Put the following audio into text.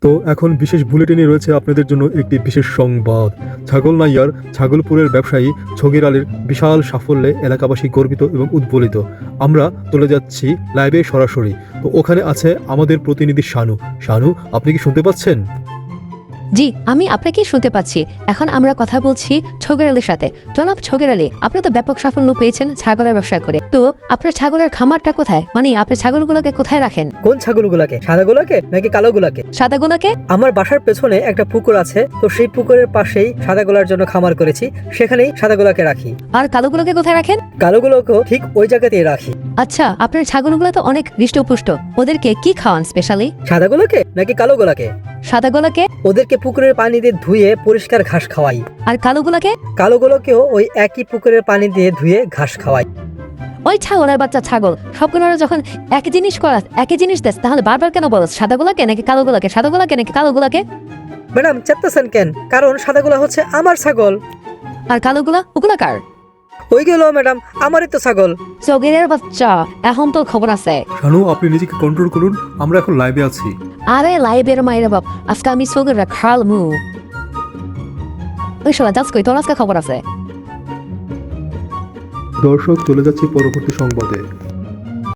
তো এখন বিশেষ বুলেটিনে রয়েছে আপনাদের জন্য একটি বিশেষ সংবাদ। ছাগলনাইয়ার ছাগলপুরের ব্যবসায়ী ছগির আলীর বিশাল সাফল্যে এলাকাবাসী গর্বিত এবং উদ্বলিত। আমরা চলে যাচ্ছি লাইভে সরাসরি। তো ওখানে আছে আমাদের প্রতিনিধি শানু। শানু, আপনি কি শুনতে পাচ্ছেন? জি, আমি আপনাকে শুনতে পাচ্ছি। এখন আমরা কথা বলছি ছগির আলীর সাথে। জনাব ছগির আলী, আপনি তো ব্যাপক সাফল্য পেয়েছেন ছাগলের ব্যবসা করে। তো আপনার ছাগলের খামারটা কোথায়? মানে আপনি ছাগলগুলোকে কোথায় রাখেন? কোন ছাগলগুলাকে? সাদাগুলাকে নাকি কালোগুলাকে? সাদাগুলোকে? আমার বাসার পেছনে একটা পুকুর আছে, তো সেই পুকুরের পাশেই সাদাগুলার জন্য খামার করেছি, সেখানেই সাদাগুলাকে রাখি। আর কালোগুলোকে কোথায় রাখেন? কালোগুলোকেও ঠিক ওই জায়গাতেই রাখি। আচ্ছা, আপনার ছাগলগুলো তো অনেক হৃষ্টপুষ্ট। ওদেরকে কি খাওয়ান স্পেশালি? সাদাগুলোকে নাকি কালোগুলাকে? সাদাগুলোকে? ওদেরকে পুকুরের পানি দিয়ে ধুয়ে পরিষ্কার ঘাস খাওয়াই। আর কালোগুলোকে? কালোগুলোকেও ওই একই পুকুরের পানি দিয়ে ধুয়ে ঘাস খাওয়াই। ওই ছাগলের বাচ্চা ছাগল, সবগুলোরা যখন একই জিনিস দেস, তাহলে বারবার কেন বলস সাদাগুলোকে নাকি কালোগুলোকে, সাদাগুলোকে নাকি কালোগুলোকে? ম্যাডাম চেপ্তাছেন কেন? কারণ সাদাগুলা হচ্ছে আমার ছাগল, আর কালোগুলা ওগুলা কার? ওইগুলো ম্যাডাম আমারই তো ছাগল। চগিরের বাচ্চা, এখন তো খবর আছে। শানু, আপনি নিজেকে কন্ট্রোল করুন, আমরা এখন লাইভে আছি। আরে লাইভের মায়ের বাপ, আজকে আমি চগিররা খাল মু। ওই শোনা যাস কই, তোর আজকে খবর আছে। দর্শক, চলে যাচ্ছি পরবর্তী সংবাদে।